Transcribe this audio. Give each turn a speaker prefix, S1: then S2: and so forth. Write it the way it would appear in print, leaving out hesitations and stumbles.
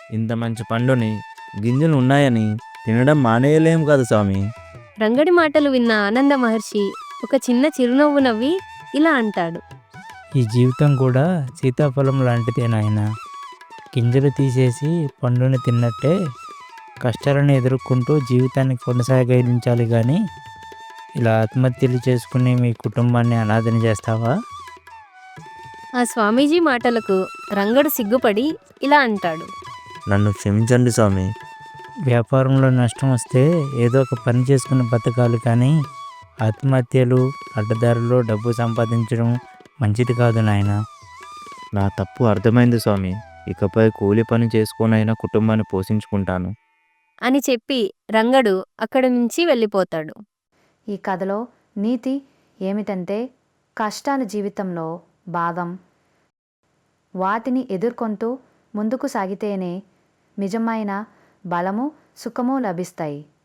S1: ఇంత మంచి పండుని గింజలు ఉన్నాయని తినడం మానేయలేం కదా స్వామి.
S2: రంగడి మాటలు విన్న ఆనంద మహర్షి ఒక చిన్న చిరునవ్వు నవ్వి ఇలా అంటాడు.
S3: ఈ జీవితం కూడా సీతాఫలం లాంటిదే నాయన. గింజలు తీసేసి పండుని తిన్నట్టే కష్టాలను ఎదుర్కొంటూ జీవితాన్ని కొనసాగించాలి కానీ ఇలా ఆత్మహత్యలు చేసుకుని మీ కుటుంబాన్ని అనాథన చేస్తావా?
S2: ఆ స్వామీజీ మాటలకు రంగడు సిగ్గుపడి ఇలా అంటాడు.
S1: నన్ను క్షమించండి స్వామి.
S3: వ్యాపారంలో నష్టం వస్తే ఏదో ఒక పని చేసుకుని బతకాలి కానీ ఆత్మహత్యలు, అడ్డదారుల్లో డబ్బు సంపాదించడం మంచిది కాదు నాయన.
S1: నా తప్పు అర్థమైంది స్వామి. ఇకపై కూలి పని చేసుకొనైనా కుటుంబాన్ని పోషించుకుంటాను
S2: అని చెప్పి రంగడు అక్కడి నుంచి వెళ్ళిపోతాడు.
S4: ఈ కథలో నీతి ఏమిటంటే కష్టాలు జీవితంలో భాగం. వాటిని ఎదుర్కొంటూ ముందుకు సాగితేనే నిజమైన బలము, సుఖము లభిస్తాయి.